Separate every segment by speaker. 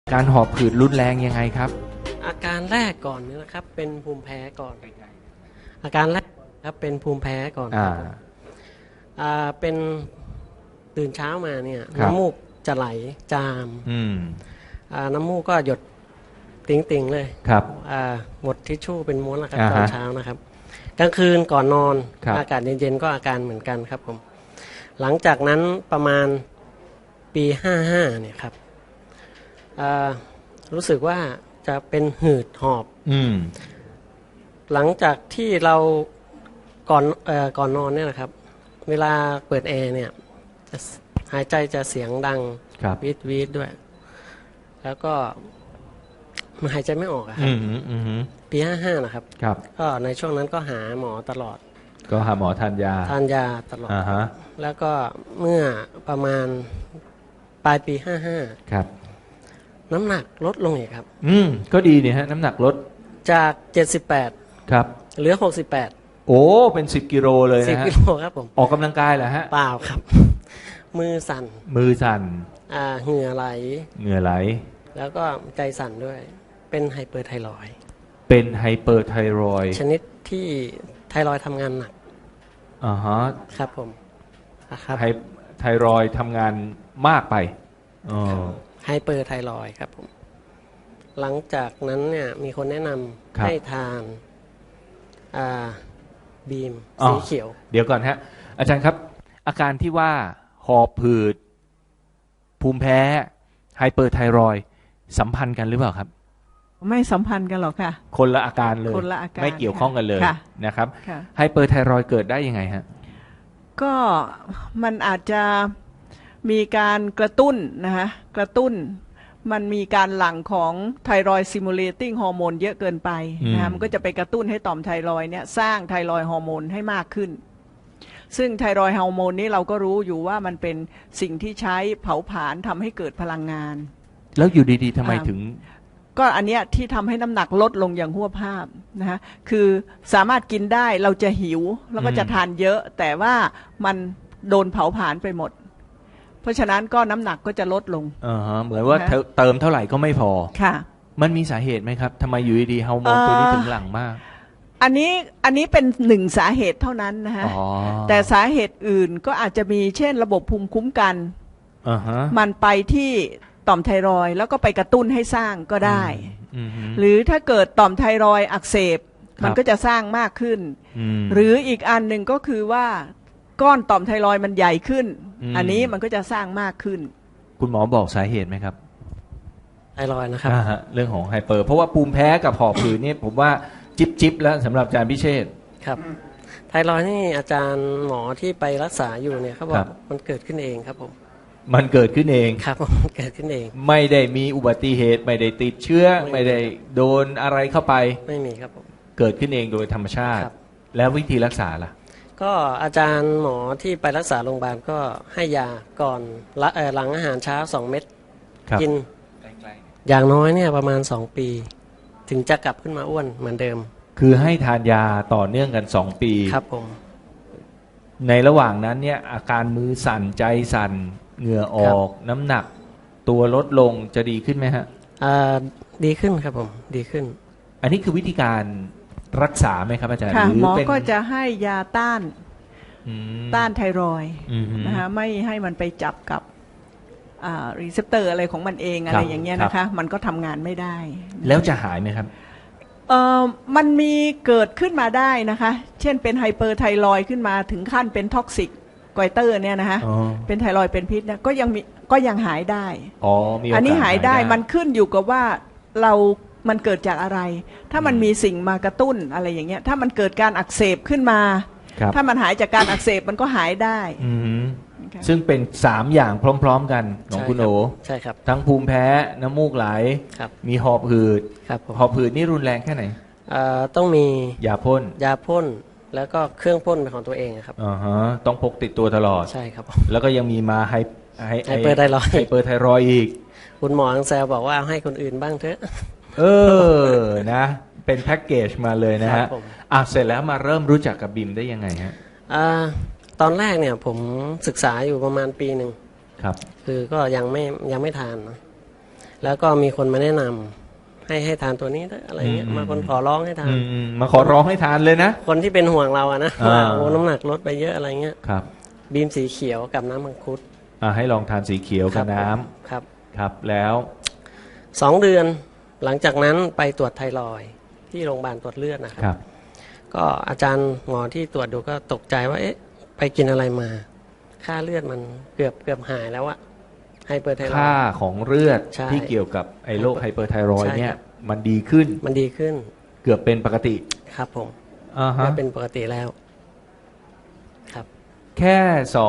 Speaker 1: การหอบผืดรุนแรงยังไงครับ
Speaker 2: อาการแรกก่อนนี่นะครับเป็นภูมิแพ้ก่อนอาการแรกครับเป็นภูมิแพ้ก่อนเป็นตื่นเช้ามาเนี่ยน้ำมูกจะไหลจามน้ำมูกก็หยดติ่งๆเลย
Speaker 1: ครับ
Speaker 2: หมดทิชชู่เป็นม้วนนะครับตอนเช้านะครับกลางคืนก่อนนอนอากาศเย็นๆก็อาการเหมือนกันครับผมหลังจากนั้นประมาณปี55เนี่ยครับรู้สึกว่าจะเป็นหืดหอบหลังจากที่เราก่อนนอนเนี่ยนะครับเวลาเปิดแอร์เนี่ยจะหายใจจะเสียงดังวีดด้วยแล้วก็มันหายใจไม่ออกครับปี55นะครับก็ในช่วงนั้นก็หาหมอตลอด
Speaker 1: ก็หาหมอทานยา
Speaker 2: ตลอดแล้วก็เมื่อประมาณปลายปี55ครับน้ำหนักลดลงอีกครับ
Speaker 1: ก็ดีนี่ฮะน้ำหนักลด
Speaker 2: จาก78
Speaker 1: ครับ
Speaker 2: เหลือ68
Speaker 1: โอ้เป็น10กิโลเลยนะฮะ
Speaker 2: 10กิโลครับผม
Speaker 1: ออกกำลังกายเหรอฮะ
Speaker 2: เปล่าครับมือสั่นเหงื่อไหลแล้วก็ใจสั่นด้วยเป็นไฮเปอร์ไทรอยด์ชนิดที่ไทรอยด์ทำงานหนักครับผม
Speaker 1: ไทรอยด์ทำงานมากไป
Speaker 2: ไฮเปอร์ไทรอยด์ครับผมหลังจากนั้นเนี่ยมีคนแนะนำให้ทานบีมสีเขียว
Speaker 1: เดี๋ยวก่อนฮะอาจารย์ครับอาการที่ว่าหอบผืดภูมิแพ้ไฮเปอร์ไทรอยด์สัมพันธ์กันหรือเปล่าครับ
Speaker 3: ไม่สัมพันธ์กันหรอกค่ะ
Speaker 1: คนละอาการเลยไม่เกี่ยวข้องกันเลยนะครับไฮเปอร์ไทรอยด์เกิดได้ยังไงฮะ
Speaker 3: ก็มันอาจจะมีการกระตุ้นนะคะกระตุ้นมันมีการหลั่งของไทรอยด์ซิมูเลติ้งฮอร์โมนเยอะเกินไปนะมันก็จะไปกระตุ้นให้ต่อมไทรอยด์เนี่ยสร้างไทรอยด์ฮอร์โมนให้มากขึ้นซึ่งไทรอยด์ฮอร์โมนนี้เราก็รู้อยู่ว่ามันเป็นสิ่งที่ใช้เผาผลาญทำให้เกิดพลังงาน
Speaker 1: แล้วอยู่ดีๆทำไมถึง
Speaker 3: ก็อันเนี้ยที่ทำให้น้ำหนักลดลงอย่างหัวภาพนะคะคือสามารถกินได้เราจะหิวแล้วก็จะทานเยอะแต่ว่ามันโดนเผาผลาญไปหมดเพราะฉะนั้นก็น้ำหนักก็จะลดลง
Speaker 1: เหมือนว่าเติมเท่าไหร่ก็ไม่พอ
Speaker 3: ค่ะ
Speaker 1: มันมีสาเหตุไหมครับทำไมอยู่ดีๆฮอร์โมนตัวนี้ถึงหลั่งมาก
Speaker 3: อันนี้เป็นหนึ่งสาเหตุเท่านั้นนะฮะแต่สาเหตุอื่นก็อาจจะมีเช่นระบบภูมิคุ้มกันมันไปที่ต่อมไทรอยด์แล้วก็ไปกระตุ้นให้สร้างก็ได้หรือถ้าเกิดต่อมไทรอยด์อักเสบมันก็จะสร้างมากขึ้นหรืออีกอันหนึ่งก็คือว่าก้อนต่อมไทรอยด์มันใหญ่ขึ้นอันนี้มันก็จะสร้างมากขึ้น
Speaker 1: คุณหมอบอกสาเหตุไหมครับ
Speaker 2: ไทรอยด์นะครับ
Speaker 1: เรื่องของไฮเปอร์เพราะว่าภูมิแพ้กับหอบผืดนี่ผมว่าจิ๊บแล้วสำหรับอาจารย์พิเชษ
Speaker 2: ครับไทรอยด์นี่อาจารย์หมอที่ไปรักษาอยู่เนี่ยเขาบอกมันเกิดขึ้นเองครับผม
Speaker 1: มันเกิดขึ้นเอง
Speaker 2: ครับเกิดขึ้นเอง
Speaker 1: ไม่ได้มีอุบัติเหตุไม่ได้ติดเชื้อไม่ได้โดนอะไรเข้าไป
Speaker 2: ไม่มีครับผม
Speaker 1: เกิดขึ้นเองโดยธรรมชาติแล้ววิธีรักษาล่ะ
Speaker 2: ก็อาจารย์หมอที่ไปรักษาโรงพยาบาลก็ให้ยาก่อนหลังอาหารเช้า2 เม็ดกินอย่างน้อยเนี่ยประมาณ2 ปีถึงจะกลับขึ้นมาอ้วนเหมือนเดิม
Speaker 1: คือให้ทานยาต่อเนื่องกัน2 ปี
Speaker 2: ครับผม
Speaker 1: ในระหว่างนั้นเนี่ยอาการมือสั่นใจสั่นเหงื่อออกน้ำหนักตัวลดลงจะดีขึ้นไหมฮะ
Speaker 2: ดีขึ้นครับผมดีขึ้น
Speaker 1: อันนี้คือวิธีการรักษาไหมครับอาจารย์
Speaker 3: หมอก็จะให้ยาต้านไทรอยด์นะคะไม่ให้มันไปจับกับรีเซพเตอร์อะไรของมันเองอะไรอย่างเงี้ยนะคะมันก็ทำงานไม่ได้
Speaker 1: แล้วจะหายไหมครับ
Speaker 3: มันมีเกิดขึ้นมาได้นะคะเช่นเป็นไฮเปอร์ไทรอยด์ขึ้นมาถึงขั้นเป็นท็อกซิกไกเตอร์เนี่ยนะคะเป็นไทรอยด์เป็นพิษเนี่ยก็ยังหายได้อันนี้หายได้มันขึ้นอยู่กับว่ามันเกิดจากอะไรถ้ามันมีสิ่งมากระตุ้นอะไรอย่างเงี้ยถ้ามันเกิดการอักเสบขึ้นมาถ้ามันหายจากการอักเสบมันก็หายได้
Speaker 1: ซึ่งเป็น3อย่างพร้อมๆกันของคุณโอ
Speaker 2: ใช่ครับ
Speaker 1: ทั้งภูมิแพ้น้ำมูกไหลมีหอบหืดหอบหืดนี่รุนแรงแค่ไหน
Speaker 2: ต้องมี
Speaker 1: ยาพ่น
Speaker 2: แล้วก็เครื่องพ่นเป็นของตัวเองครับ
Speaker 1: ต้องพกติดตัวตลอด
Speaker 2: ใช่ครับ
Speaker 1: แล้วก็ยังมีมาไฮ
Speaker 2: เปอร์ไท
Speaker 1: รอยด์อีก
Speaker 2: คุณหมอแซวบอกว่าให้คนอื่นบ้างเถอะ
Speaker 1: นะเป็นแพ็กเกจมาเลยนะฮะเสร็จแล้วมาเริ่มรู้จักกับบิมได้ยังไงฮะ
Speaker 2: ตอนแรกเนี่ยผมศึกษาอยู่ประมาณปี 1ครับคือก็ยังไม่ทานนะแล้วก็มีคนมาแนะนำให้ทานตัวนี้อะไรเงี้ยมาคนขอร้องให้ทาน
Speaker 1: มาขอร้องให้ทานเลยนะ
Speaker 2: คนที่เป็นห่วงเราอะนะว่าโอ้น้ำหนักลดไปเยอะอะไรเงี้ย
Speaker 1: ครับ
Speaker 2: บีมสีเขียวกับน้ำมังคุด
Speaker 1: ให้ลองทานสีเขียวกับน้ำครับแล้ว
Speaker 2: 2 เดือนหลังจากนั้นไปตรวจไทรอยด์ที่โรงพยาบาลตรวจเลือดนะครับก็อาจารย์หมอที่ตรวจดูก็ตกใจว่าเอ๊ะไปกินอะไรมาค่าเลือดมันเกือบหายแล้วอะไฮเปอร์ไทรอยด์
Speaker 1: ค่าของเลือดที่เกี่ยวกับไอ้โรคไฮเปอร์ไทรอยด์เนี่ยมันดีขึ้นเกือบเป็นปกติ
Speaker 2: ครับผมเป็นปกติแล้วครับ
Speaker 1: แค่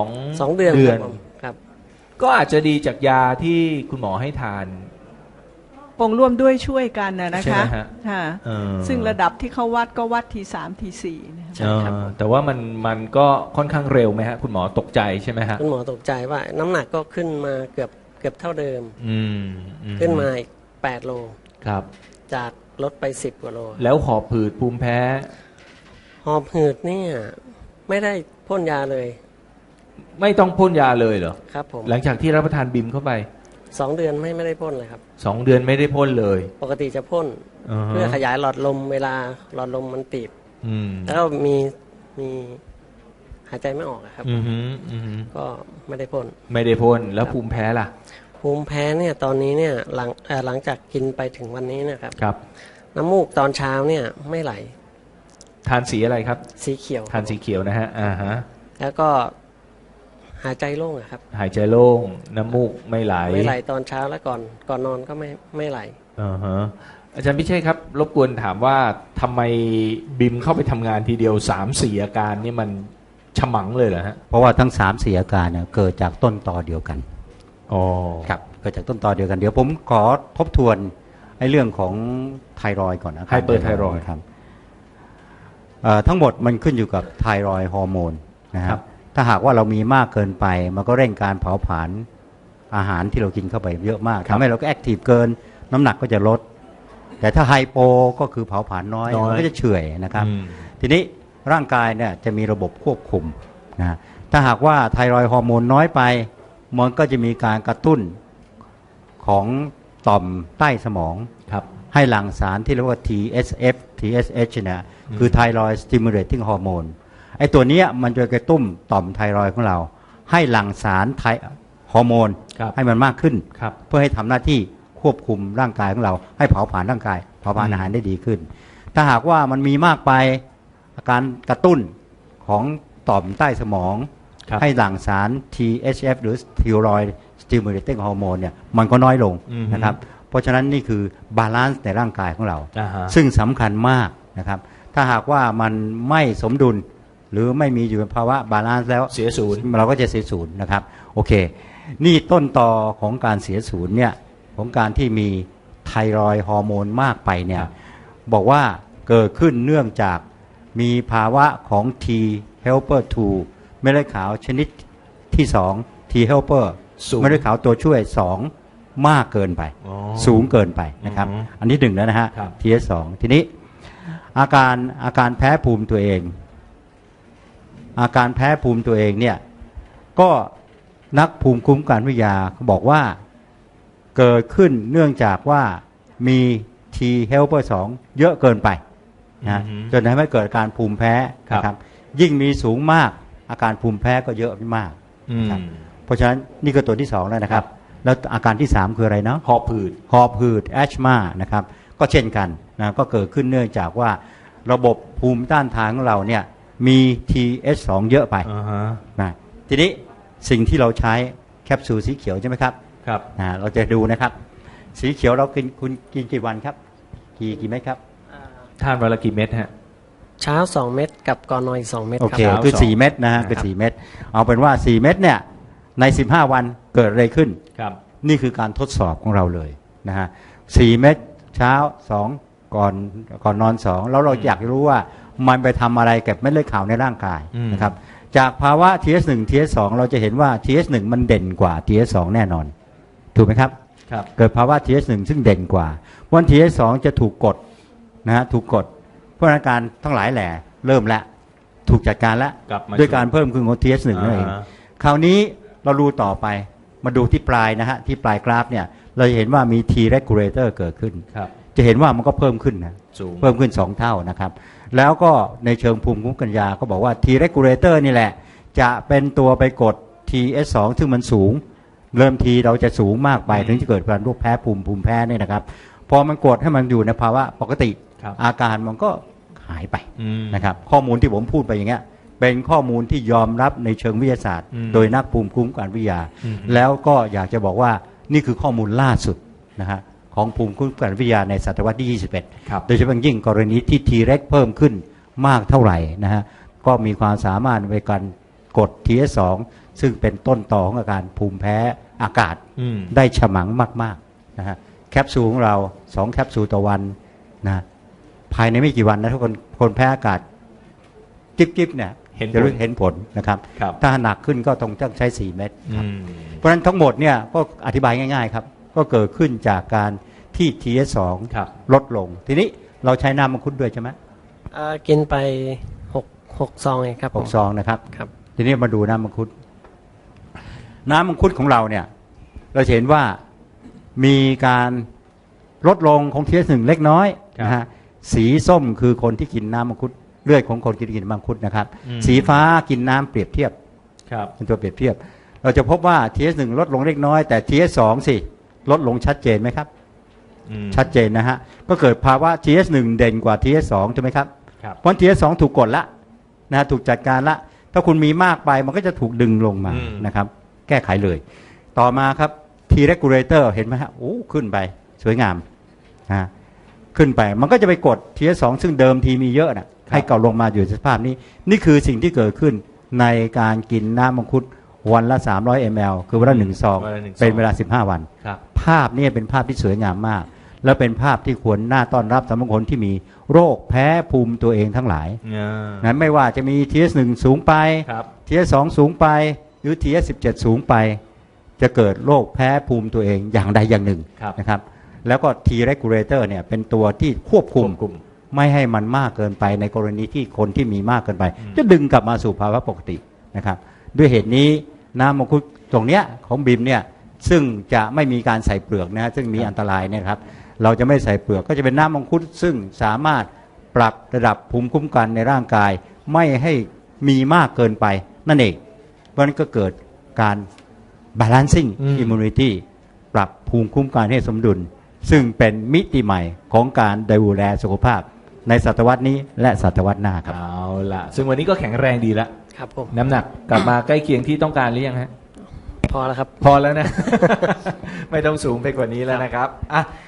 Speaker 1: 2 เดือน
Speaker 2: ครับ
Speaker 1: ก็อาจจะดีจากยาที่คุณหมอให้ทาน
Speaker 3: ปงร่วมด้วยช่วยกันนะคะซึ่งระดับที่เขาวัดก็วัดที3ที4
Speaker 1: นะครับแต่ว่ามันก็ค่อนข้างเร็วไหมฮะคุณหมอตกใจใช่ไหมฮะ
Speaker 2: คุณหมอตกใจว่าน้ำหนักก็ขึ้นมาเกือบเท่าเดิมขึ้นมาอีก8 โล
Speaker 1: ครับ
Speaker 2: จากลดไป10 กว่าโล
Speaker 1: แล้วหอบหืดภูมิแพ้
Speaker 2: หอบหืดเนี่ยไม่ได้พ่นยาเลย
Speaker 1: ไม่ต้องพ่นยาเลยเหรอ
Speaker 2: ครับผม
Speaker 1: หลังจากที่รับประทานบิมเข้าไป
Speaker 2: 2 เดือนไม่ได้พ่นเลยครับ
Speaker 1: 2 เดือนไม่ได้พ่นเลย
Speaker 2: ปกติจะพ่นเพื่อขยายหลอดลมเวลาหลอดลมมันตีบแล้วมีหายใจไม่ออกครับก็ไม่ได้พ่น
Speaker 1: แล้วภูมิแพ้ล่ะ
Speaker 2: ภูมิแพ้เนี่ยตอนนี้เนี่ยหลังจากกินไปถึงวันนี้นะครับ
Speaker 1: ครับ
Speaker 2: น้ำมูกตอนเช้าเนี่ยไม่ไหล
Speaker 1: ทานสีอะไรครับ
Speaker 2: สีเขียว
Speaker 1: ทานสีเขียวนะฮะ
Speaker 2: แล้วก็หายใจโล่งครับ
Speaker 1: หายใจโล่งน้ำมูกไม่ไหล
Speaker 2: ตอนเช้าแล้วก่อนนอนก็ไม่ไหล
Speaker 1: อาจารย์พิเชษครับรบกวนถามว่าทำไมบิมเข้าไปทำงานทีเดียว 3-4 อาการนี่มันฉมังเลยเหรอฮะ
Speaker 4: เพราะว่าทั้ง 3-4 อาการเนี่ยเกิดจากต้นตอเดียวกันครับเกิดจากต้นตอเดียวกันเดี๋ยวผมขอทบทวนไอ้เรื่องของไทรอยด์ก่อนนะ
Speaker 1: ไฮเปอร์ไทรอยด์
Speaker 4: ครับทั้งหมดมันขึ้นอยู่กับไทรอยด์ฮอร์โมนนะครับถ้าหากว่าเรามีมากเกินไปมันก็เร่งการเผาผลาญอาหารที่เรากินเข้าไปเยอะมากทำให้เราก็แอคทีฟเกินน้ำหนักก็จะลดแต่ถ้าไฮโปก็คือเผาผลาญน้อยมันก็จะเฉื่อยนะครับทีนี้ร่างกายเนี่ยจะมีระบบควบคุมนะถ้าหากว่าไทรอยด์ฮอร์โมนน้อยไปมันก็จะมีการกระตุ้นของต่อมใต้สมองให้หลั่งสารที่เรียกว่า TSF TSH เนี่ยคือ Thyroid Stimulating Hormone ไอ้ตัวนี้มันจะกระตุ้นต่อมไทรอยด์ของเราให้หลั่งสารฮอร์โมนให้มันมากขึ้นเพื่อให้ทำหน้าที่ควบคุมร่างกายของเราให้เผาผลาญร่างกายเผาผลาญอาหารได้ดีขึ้นถ้าหากว่ามันมีมากไปอาการกระตุ้นของต่อมใต้สมองให้หลั่งสาร THF หรือ Thyroid Stimulating Hormone เนี่ยมันก็น้อยลงนะครับเพราะฉะนั้นนี่คือบาลานซ์ในร่างกายของเราซึ่งสำคัญมากนะครับถ้าหากว่ามันไม่สมดุลหรือไม่มีอยู่ในภาวะบาลานซ์แล้ว
Speaker 1: เสียศูนย์
Speaker 4: เราก็จะเสียศูนย์นะครับโอเคนี่ต้นตอของการเสียศูนย์เนี่ยของการที่มีไทรอยด์ฮอร์โมนมากไปเนี่ยบอกว่าเกิดขึ้นเนื่องจากมีภาวะของ T helper 2 เม็ดเลือดขาวชนิดที่2 T helper เม็ดเลือดขาวตัวช่วย2มากเกินไปสูงเกินไปนะครับอันนี้1แล้วนะฮะ TS2 ทีนี้อาการแพ้ภูมิตัวเองเนี่ยก็นักภูมิคุ้มกันวิทยาบอกว่าเกิดขึ้นเนื่องจากว่ามี T helper 2 เยอะเกินไปนะจนทำให้เกิดการภูมิแพ้นะครับยิ่งมีสูงมากอาการภูมิแพ้ก็เยอะมากเพราะฉะนั้นนี่ก็ตัวที่2แล้วนะครับแล้วอาการที่3คืออะไรเนาะ
Speaker 1: หอบหืด
Speaker 4: แอชมานะครับก็เช่นกันนะก็เกิดขึ้นเนื่องจากว่าระบบภูมิต้านทานของเราเนี่ยมี TH2 เยอะไปนะทีนี้สิ่งที่เราใช้แคปซูลสีเขียวใช่ไหมครับเราจะดูนะครับสีเขียวเราคุณกินกี่วันครับกี่เม็ดครับ
Speaker 1: ทานวันละกี่เม็ดฮะ
Speaker 2: เช้า2 เม็ดกับก่อนนอนอีก2 เม็ด
Speaker 4: โอเคคือ4 เม็ดนะฮะคือ4 เม็ดเอาเป็นว่า4 เม็ดเนี่ยใน15 วันเกิดอะไรขึ้นนี่คือการทดสอบของเราเลยนะฮะ4 เม็ดเช้า2ก่อนนอน2แล้วเราอยากรู้ว่ามันไปทำอะไรกับเม็ดเลือดขาวในร่างกายนะครับจากภาวะ TS1 TS2 เราจะเห็นว่า TS1 มันเด่นกว่า TS2 แน่นอนถูกไหมครับเกิดภาวะ TS1 ซึ่งเด่นกว่าวัน TS2 จะถูกกดนะฮะถูกกดเพราะอาการทั้งหลายแหล่เริ่มแล้วถูกจัดการแล้วด้วยการเพิ่มขึ้นของ TS1 นั่นเองคราวนี้เราดูต่อไปมาดูที่ปลายนะฮะที่ปลายกราฟเนี่ยเราจะเห็นว่ามี T regulator เกิดขึ้น
Speaker 1: ครับ
Speaker 4: จะเห็นว่ามันก็เพิ่มขึ้นนะ
Speaker 1: สูง
Speaker 4: เพิ่มขึ้น2เท่านะครับแล้วก็ในเชิงภูมิคุ้มกันยาก็บอกว่า T regulator นี่แหละจะเป็นตัวไปกด TS2 ซึ่งมันสูงเริ่มทีเราจะสูงมากไปถึงจะเกิดการโรคแพ้ภูมิแพ้เนี่ยนะครับพอมันกดให้มันอยู่ในภาวะปกติอาการมันก็หายไปนะครับข้อมูลที่ผมพูดไปอย่างเงี้ยเป็นข้อมูลที่ยอมรับในเชิงวิทยาศาสตร์โดยนักภูมิคุ้มกันวิทยาแล้วก็อยากจะบอกว่านี่คือข้อมูลล่าสุดนะฮะของภูมิคุ้มกันวิทยาในศตวรรษที่21โดยเฉพาะยิ่งกรณีที่ T reg เพิ่มขึ้นมากเท่าไหร่นะฮะก็มีความสามารถในการกด TS2 ซึ่งเป็นต้นต่อของอาการภูมิแพ้อากาศได้ฉมังมากๆนะฮะแคปซูลของเรา2แคปซูลต่อวันนะภายในไม่กี่วันนะถ้าคนแพ้อากาศจิ๊บๆเนี่ยจะเห็นผลนะครับถ้าหนักขึ้นก็ต้องใช้4เม็ดเพราะฉะนั้นทั้งหมดเนี่ยก็อธิบายง่ายๆครับก็เกิดขึ้นจากการที่ TS2 ลดลงทีนี้เราใช้น้ำมังคุดด้วยใช่ไหม
Speaker 2: กินไป6ซองเองครับ
Speaker 4: 6ซองนะครับทีนี้มาดูน้ำมังคุดของเราเนี่ยเราเห็นว่ามีการลดลงของ TS1 เล็กน้อยนะฮะสีส้มคือคนที่กินน้ำมังคุดเลือดของคนกินมังคุดนะครับสีฟ้ากินน้ำเปรียบเทียบเป็นตัวเปรียบเทียบเราจะพบว่า TS1 ลดลงเล็กน้อยแต่ TS2 สิลดลงชัดเจนไหมครับชัดเจนนะฮะก็เกิดภาวะ TS1 เด่นกว่า TS2 ใช่ไหมครับเพราะ TS2 ถูกกดละนะถูกจัดการละถ้าคุณมีมากไปมันก็จะถูกดึงลงมานะครับแก้ไขเลยต่อมาครับ T regulator เห็นไหมฮะโอ้ขึ้นไปสวยงามนะขึ้นไปมันก็จะไปกด TS2 ซึ่งเดิมทีมีเยอะนะให้เก่าลงมาอยู่ในสภาพนี้นี่คือสิ่งที่เกิดขึ้นในการกินน้ำมังคุดวันละ300 ml คือวันละ1ซองเป็นเวลา15วันภาพนี้เป็นภาพที่สวยงามมากและเป็นภาพที่ควรน่าต้อนรับสำหรับคนที่มีโรคแพ้ภูมิตัวเองทั้งหลายนั้นไม่ว่าจะมี TS1 สูงไป TS2 สูงไปหรือ TS17 สูงไปจะเกิดโรคแพ้ภูมิตัวเองอย่างใดอย่างหนึ่งนะครับแล้วก็ T regulator เนี่ยเป็นตัวที่ควบคุมไม่ให้มันมากเกินไปในกรณีที่คนที่มีมากเกินไปจะดึงกลับมาสู่ภาวะปกตินะครับด้วยเหตุนี้น้ำมังคุดตรงเนี้ยของบิมเนี่ยซึ่งจะไม่มีการใส่เปลือกนะซึ่งมีอันตรายเนี่ยครับเราจะไม่ใส่เปลือกก็จะเป็นน้ำมังคุดซึ่งสามารถปรับระดับภูมิคุ้มกันในร่างกายไม่ให้มีมากเกินไปนั่นเองเพราะนั้นก็เกิดการ balancing immunity ปรับภูมิคุ้มกันให้สมดุลซึ่งเป็นมิติใหม่ของการดูแลสุขภาพในศตวรรษนี้และศตวรรษหน้าครับ
Speaker 1: เอาล่ะซึ่งวันนี้ก็แข็งแรงดีแล้ว
Speaker 2: ครับผม
Speaker 1: น้ำหนักกลับมาใกล้เคียงที่ต้องการหรือยังฮะ
Speaker 2: พอแล้วครับ
Speaker 1: พอแล้วนะ ไม่ต้องสูงไปกว่านี้แล้วนะครับอ่ะ